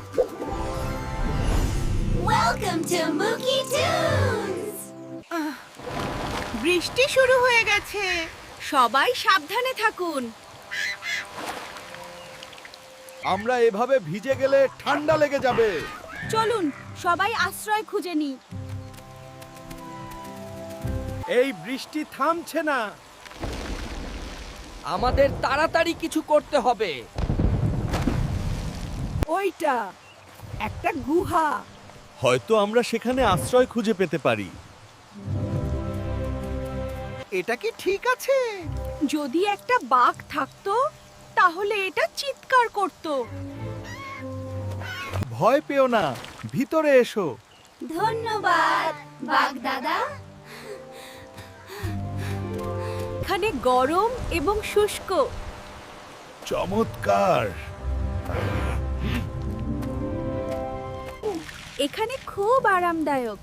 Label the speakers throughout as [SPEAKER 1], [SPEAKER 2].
[SPEAKER 1] Welcome to Mookie Tunes!
[SPEAKER 2] বৃষ্টি শুরু হয়ে গেছে, সবাই সাবধানে থাকুন।
[SPEAKER 3] আমরা এভাবে ভিজে গেলে ঠান্ডা লেগে যাবে।
[SPEAKER 2] চলুন সবাই আশ্রয় খুঁজে নিই।
[SPEAKER 3] এই বৃষ্টি থামছে না।
[SPEAKER 4] আমাদের তাড়াতাড়ি কিছু করতে হবে।
[SPEAKER 2] ওইটা একটা গুহা।
[SPEAKER 3] হয়তো আমরা সেখানে আশ্রয় খুঁজে পেতে পারি। এটা কি ঠিক আছে?
[SPEAKER 2] যদি একটা বাঘ থাকতো তাহলে এটা চিৎকার করত।
[SPEAKER 3] ভয় পেও না, ভিতরে এসো।
[SPEAKER 1] ধন্যবাদ বাঘ দাদা।
[SPEAKER 2] এখানে গরম এবং শুষ্ক।
[SPEAKER 3] চমৎকার।
[SPEAKER 2] এখানে খুব আরামদায়ক।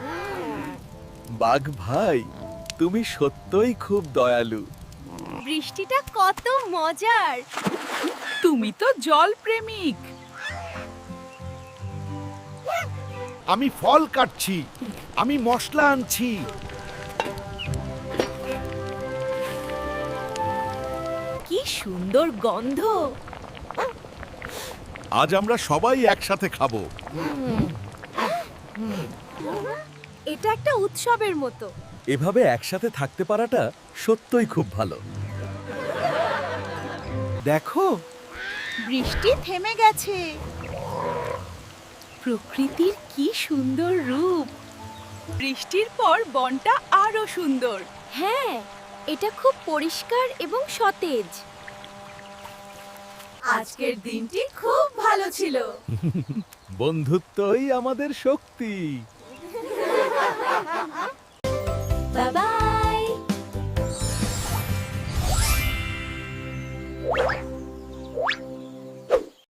[SPEAKER 3] বাঘ ভাই, তুমি সত্যই খুব দয়ালু।
[SPEAKER 2] বৃষ্টিটা কত মজার। তুমি তো জল প্রেমিক।
[SPEAKER 3] আমি ফল কাটছি, আমি মশলা আনছি।
[SPEAKER 2] কি সুন্দর গন্ধ।
[SPEAKER 3] আজ আমরা সবাই একসাথে খাবো।
[SPEAKER 2] এটা একটা উৎসবের মতো।
[SPEAKER 3] এভাবে একসাথে থাকতে পারাটা সত্যই খুব ভালো। দেখো,
[SPEAKER 2] বৃষ্টি থেমে গেছে। প্রকৃতির কি সুন্দর রূপ। বৃষ্টির পর বনটা আরো সুন্দর। হ্যাঁ, এটা খুব পরিষ্কার এবং সতেজ। আজকের দিনটি খুব ভালো ছিল।
[SPEAKER 3] বন্ধুত্বই আমাদের শক্তি।